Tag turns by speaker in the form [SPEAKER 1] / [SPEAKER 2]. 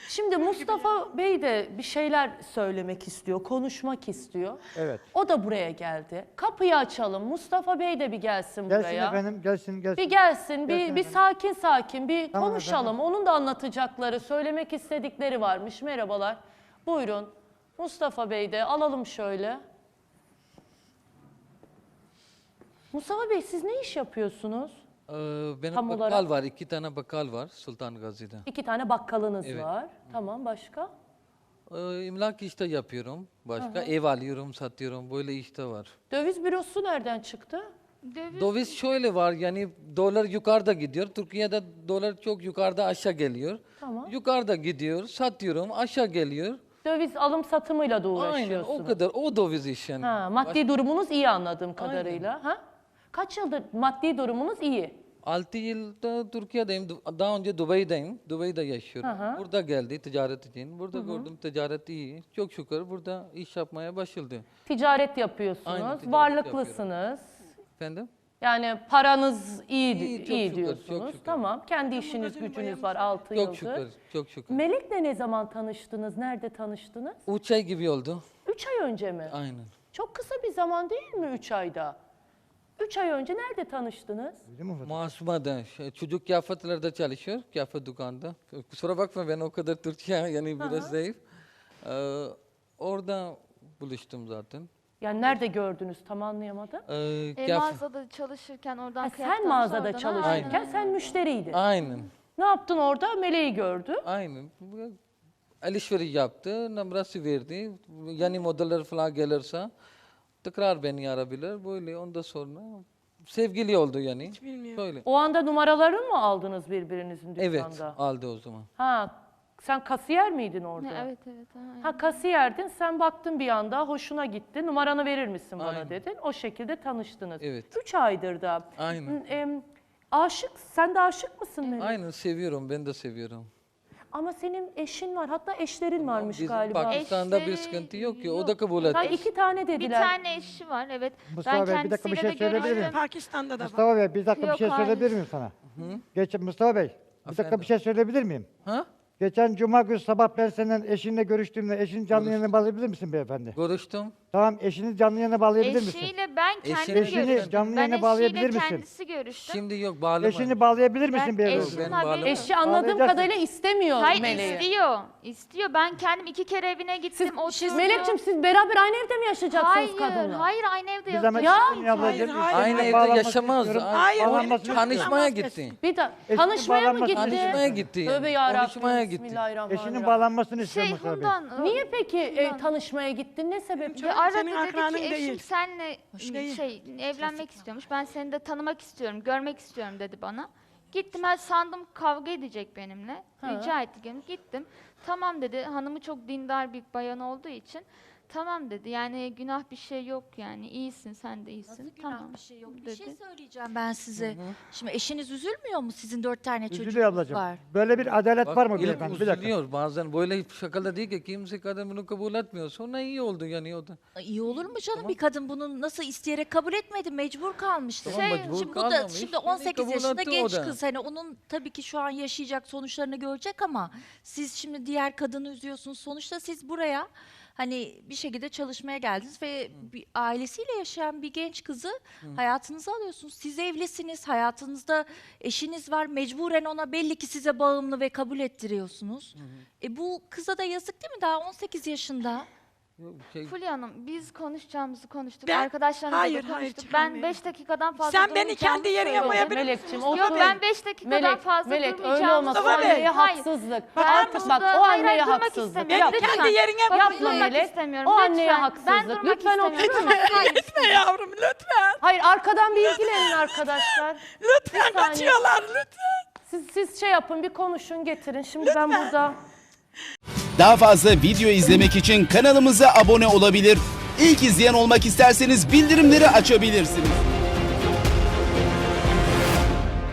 [SPEAKER 1] Şimdi Mustafa Bey de bir şeyler söylemek istiyor, konuşmak istiyor.
[SPEAKER 2] Evet.
[SPEAKER 1] O da buraya geldi. Kapıyı açalım. Mustafa Bey de bir gelsin buraya.
[SPEAKER 2] Gelsin efendim, gelsin.
[SPEAKER 1] Bir gelsin, bir
[SPEAKER 2] efendim.
[SPEAKER 1] sakin sakin bir
[SPEAKER 2] Tamam
[SPEAKER 1] konuşalım.
[SPEAKER 2] efendim.
[SPEAKER 1] Onun da anlatacakları, söylemek istedikleri varmış. Merhabalar. Buyurun. Mustafa Bey de alalım şöyle. Mustafa Bey siz ne iş yapıyorsunuz?
[SPEAKER 3] Benim
[SPEAKER 1] Tam
[SPEAKER 3] bakkal
[SPEAKER 1] olarak-
[SPEAKER 3] var, 2 tane bakkal var Sultan Gazi'de.
[SPEAKER 1] 2 tane bakkalınız
[SPEAKER 3] Evet.
[SPEAKER 1] var. Tamam, başka?
[SPEAKER 3] İmlak işte yapıyorum, başka ev alıyorum, satıyorum, böyle işte var.
[SPEAKER 1] Döviz bürosu nereden çıktı?
[SPEAKER 3] Döviz şöyle var, yani dolar yukarıda gidiyor, Türkiye'de dolar çok yukarıda aşağı geliyor.
[SPEAKER 1] Tamam.
[SPEAKER 3] Yukarıda gidiyor, satıyorum, aşağı geliyor.
[SPEAKER 1] Döviz alım satımıyla da
[SPEAKER 3] Aynen,
[SPEAKER 1] uğraşıyorsunuz.
[SPEAKER 3] o kadar, o döviz iş yani.
[SPEAKER 1] Ha, maddi durumunuz iyi anladığım kadarıyla. Ha? Kaç yıldır maddi durumunuz iyi?
[SPEAKER 3] 6 yılda Türkiye'deyim, daha önce Dubai'deyim, Dubai'de yaşıyorum. Burada geldi ticaret için, burada gördüm ticaret iyi, çok şükür burada iş yapmaya başladı.
[SPEAKER 1] Ticaret yapıyorsunuz,
[SPEAKER 3] Aynen, ticaret
[SPEAKER 1] varlıklısınız.
[SPEAKER 3] Efendim?
[SPEAKER 1] Yani paranız iyi,
[SPEAKER 3] İyi, çok
[SPEAKER 1] iyi
[SPEAKER 3] şükür,
[SPEAKER 1] diyorsunuz.
[SPEAKER 3] çok şükür.
[SPEAKER 1] Tamam, kendi işiniz, gücünüz var 6
[SPEAKER 3] Çok
[SPEAKER 1] yıldır.
[SPEAKER 3] şükür, çok şükür.
[SPEAKER 1] Melek'le ne zaman tanıştınız, nerede tanıştınız?
[SPEAKER 3] 3 ay gibi oldu.
[SPEAKER 1] 3 ay önce mi?
[SPEAKER 3] Aynen.
[SPEAKER 1] Çok kısa bir zaman değil mi 3 ayda? 3 ay önce nerede tanıştınız?
[SPEAKER 3] Masuma'da, çocuk kıyafetlerde çalışıyor, kıyafet dükkanında. Kusura bakma ben o kadar Türkçe yani biraz zayıf. Orada buluştum zaten.
[SPEAKER 1] Yani nerede gördünüz tam anlayamadım.
[SPEAKER 4] Mağazada çalışırken oradan
[SPEAKER 1] Ha,
[SPEAKER 4] kıyafet
[SPEAKER 1] sen
[SPEAKER 4] almış,
[SPEAKER 1] mağazada
[SPEAKER 4] oradan-
[SPEAKER 1] çalışırken
[SPEAKER 4] Aynen.
[SPEAKER 1] sen müşteriydin.
[SPEAKER 3] Aynen,
[SPEAKER 1] Ne yaptın orada? Meleği gördü.
[SPEAKER 3] aynen. Alışveriş yaptı, numarası verdi. Yani modeller falan gelirse tekrar beni arabilir. Böyle ondan sonra sevgili oldu yani. Hiç bilmiyorum. Böyle.
[SPEAKER 1] O anda numaralarını mı aldınız birbirinizin dükkanda?
[SPEAKER 3] Evet, aldı o zaman.
[SPEAKER 1] Ha, sen kasiyer miydin orada?
[SPEAKER 4] Evet evet. Aynen.
[SPEAKER 1] Ha, kasiyerdin, sen baktın bir anda, hoşuna gitti. Numaranı verir misin bana
[SPEAKER 3] Aynen.
[SPEAKER 1] dedin. O şekilde tanıştınız.
[SPEAKER 3] Evet.
[SPEAKER 1] 3 aydır da.
[SPEAKER 3] Aynen.
[SPEAKER 1] Aşık, sen de aşık mısın Melek?
[SPEAKER 3] Aynen seviyorum, ben de seviyorum.
[SPEAKER 1] Ama senin eşin var, hatta eşlerin varmış
[SPEAKER 3] Bizim
[SPEAKER 1] galiba.
[SPEAKER 3] Pakistan'da bir
[SPEAKER 4] Eşleri
[SPEAKER 3] sıkıntı yok ki, o
[SPEAKER 4] yok.
[SPEAKER 3] da kabul
[SPEAKER 1] Ha,
[SPEAKER 3] etti.
[SPEAKER 1] 2 tane
[SPEAKER 4] Bir
[SPEAKER 1] dediler.
[SPEAKER 4] tane eşi var evet.
[SPEAKER 2] Mustafa
[SPEAKER 4] ben
[SPEAKER 2] Bey, bir dakika bir
[SPEAKER 4] kendisiyle
[SPEAKER 2] şey
[SPEAKER 4] de
[SPEAKER 2] söyleyebilir miyim?
[SPEAKER 4] görüştüm.
[SPEAKER 5] Pakistan'da da var.
[SPEAKER 2] Mustafa Bey bir dakika bir
[SPEAKER 4] Yok,
[SPEAKER 2] şey
[SPEAKER 4] hayır.
[SPEAKER 2] söyleyebilir miyim sana? Mustafa Bey bir dakika
[SPEAKER 3] Efendim?
[SPEAKER 2] bir şey söyleyebilir miyim?
[SPEAKER 3] Ha?
[SPEAKER 2] Geçen cuma günü sabah ben senin eşinle görüştüğümde eşinin canlı yayına bağlayabilir misin beyefendi?
[SPEAKER 3] Görüştüm.
[SPEAKER 2] Tamam eşini canlı yayına bağlayabilir misin?
[SPEAKER 4] Eşiyle ben kendim
[SPEAKER 3] Eşini
[SPEAKER 4] görüştüm.
[SPEAKER 2] canlı
[SPEAKER 4] Ben
[SPEAKER 2] yayına bağlayabilir
[SPEAKER 4] eşiyle
[SPEAKER 2] misin?
[SPEAKER 4] kendisi görüştüm.
[SPEAKER 3] Şimdi yok bağlama.
[SPEAKER 2] Eşini bağlayabilir misin
[SPEAKER 4] Ben
[SPEAKER 2] beyefendi?
[SPEAKER 4] eşimin
[SPEAKER 3] Ben
[SPEAKER 4] haberi
[SPEAKER 3] bağlamam.
[SPEAKER 4] yok.
[SPEAKER 1] Eşi anladığım
[SPEAKER 2] Bağlayacaksın.
[SPEAKER 1] kadarıyla istemiyor
[SPEAKER 4] Hayır
[SPEAKER 1] Meleği.
[SPEAKER 4] istiyor. İstiyor. Ben kendim 2 kere evine gittim.
[SPEAKER 1] Siz,
[SPEAKER 4] oturuyor.
[SPEAKER 1] Melek'ciğim siz beraber aynı evde mi yaşayacaksınız
[SPEAKER 4] Hayır,
[SPEAKER 1] kadınla?
[SPEAKER 4] hayır aynı evde
[SPEAKER 2] Bir zaman
[SPEAKER 4] yok.
[SPEAKER 2] eşini ablacığım,
[SPEAKER 5] hayır,
[SPEAKER 2] eşini
[SPEAKER 3] Aynı evde
[SPEAKER 2] bağlanmasını
[SPEAKER 3] yaşamaz.
[SPEAKER 2] istiyorum.
[SPEAKER 5] Hayır,
[SPEAKER 2] Bağlanmasını
[SPEAKER 3] Tanışmaya
[SPEAKER 2] istiyorum.
[SPEAKER 3] gitti.
[SPEAKER 1] Bir de
[SPEAKER 2] Eşinin
[SPEAKER 1] tanışmaya mı
[SPEAKER 2] bağlanmasını
[SPEAKER 1] gitti?
[SPEAKER 3] Tanışmaya gitti.
[SPEAKER 1] Tövbe yarabbim.
[SPEAKER 3] Konuşmaya gitti.
[SPEAKER 1] Bismillahirrahmanirrahim.
[SPEAKER 2] Eşinin bağlanmasını istiyorum Mustafa Bey.
[SPEAKER 4] Hundan.
[SPEAKER 1] Niye peki tanışmaya gittin? Ne sebeple?
[SPEAKER 4] Aradı
[SPEAKER 5] Senin
[SPEAKER 4] dedi
[SPEAKER 5] akranın
[SPEAKER 4] ki eşim
[SPEAKER 5] değil.
[SPEAKER 4] senle
[SPEAKER 5] Değil.
[SPEAKER 4] evlenmek istiyormuş. Ben seni de tanımak istiyorum, görmek istiyorum dedi bana. Gittim ben sandım kavga edecek benimle. Rica etti gelin. Gittim. Tamam dedi. Hanımı çok dindar bir bayan olduğu için. Tamam dedi. Yani günah bir şey yok yani. İyisin sen de iyisin.
[SPEAKER 6] Nasıl günah
[SPEAKER 4] Tamam.
[SPEAKER 6] bir şey yok. Bir
[SPEAKER 4] dedi.
[SPEAKER 6] şey söyleyeceğim ben size. Şimdi eşiniz üzülmüyor mu? Sizin 4 tane
[SPEAKER 2] Üzülüyor
[SPEAKER 6] çocuğunuz
[SPEAKER 2] ablacığım.
[SPEAKER 6] var.
[SPEAKER 2] Böyle bir adalet var mı
[SPEAKER 3] ilk
[SPEAKER 2] beyefendi? Bir dakika.
[SPEAKER 3] üzülüyor bazen böyle şakalı değil ki kimse kadın bunu kabul etmiyor. Sonra iyi oldu yani o da.
[SPEAKER 6] İyi olur mu canım? Bir kadın bunu nasıl isteyerek kabul etmedi, mecbur kalmıştı.
[SPEAKER 3] Tamam, mecbur
[SPEAKER 6] Şimdi bu da
[SPEAKER 3] kalmamış.
[SPEAKER 6] şimdi
[SPEAKER 3] Yine
[SPEAKER 6] 18
[SPEAKER 3] kabul
[SPEAKER 6] yaşında
[SPEAKER 3] etti o
[SPEAKER 6] genç
[SPEAKER 3] da.
[SPEAKER 6] kız. Hani onun tabii ki şu an yaşayacak sonuçlarını görecek ama siz şimdi diğer kadını üzüyorsunuz. Sonuçta siz buraya hani bir şekilde çalışmaya geldiniz ve bir ailesiyle yaşayan bir genç kızı hayatınıza alıyorsunuz. Siz evlisiniz, hayatınızda eşiniz var. Mecburen ona belli ki size bağımlı ve kabul ettiriyorsunuz. Bu kıza da yazık değil mi? Daha 18 yaşında.
[SPEAKER 3] Yok, şey,
[SPEAKER 4] Fulya Hanım biz konuşacağımızı konuştuk.
[SPEAKER 5] Ben-
[SPEAKER 4] Arkadaşlarımızla
[SPEAKER 5] hayır,
[SPEAKER 4] da
[SPEAKER 5] hayır,
[SPEAKER 4] konuştuk. Ben
[SPEAKER 5] çıkarmayın.
[SPEAKER 4] 5 dakikadan fazla
[SPEAKER 5] Sen beni
[SPEAKER 4] durmayacağımı
[SPEAKER 5] kendi yerine
[SPEAKER 4] söyledim.
[SPEAKER 5] koyabilir
[SPEAKER 1] Melek'ciğim
[SPEAKER 5] misin?
[SPEAKER 4] Yok
[SPEAKER 1] otur.
[SPEAKER 4] ben 5 dakikadan fazla
[SPEAKER 1] Melek öyle
[SPEAKER 4] durmayacağımı
[SPEAKER 1] olmaz. O
[SPEAKER 5] Mustafa Bey.
[SPEAKER 1] anneye
[SPEAKER 4] Hayır.
[SPEAKER 1] haksızlık.
[SPEAKER 4] Ben
[SPEAKER 1] Artık bak
[SPEAKER 4] burada-
[SPEAKER 1] o
[SPEAKER 4] hayır,
[SPEAKER 1] anneye
[SPEAKER 4] durmak
[SPEAKER 1] haksızlık.
[SPEAKER 4] istemiyorum.
[SPEAKER 5] Ben kendi
[SPEAKER 4] Lütfen.
[SPEAKER 5] yerine
[SPEAKER 4] Yapma
[SPEAKER 1] Yapma
[SPEAKER 5] koyayım.
[SPEAKER 1] Melek.
[SPEAKER 4] istemiyorum.
[SPEAKER 1] O anneye
[SPEAKER 4] Lütfen. Ben
[SPEAKER 1] haksızlık.
[SPEAKER 4] durmak
[SPEAKER 1] Lütfen otur.
[SPEAKER 4] istemiyorum. Hayır.
[SPEAKER 5] Gitme yavrum lütfen.
[SPEAKER 1] Hayır arkadan bir ilgilenin arkadaşlar.
[SPEAKER 5] Lütfen
[SPEAKER 1] saniye.
[SPEAKER 5] kaçıyorlar lütfen.
[SPEAKER 1] Siz şey yapın bir konuşun getirin. Şimdi ben burada...
[SPEAKER 7] Daha fazla video izlemek için kanalımıza abone olabilir. İlk izleyen olmak isterseniz bildirimleri açabilirsiniz.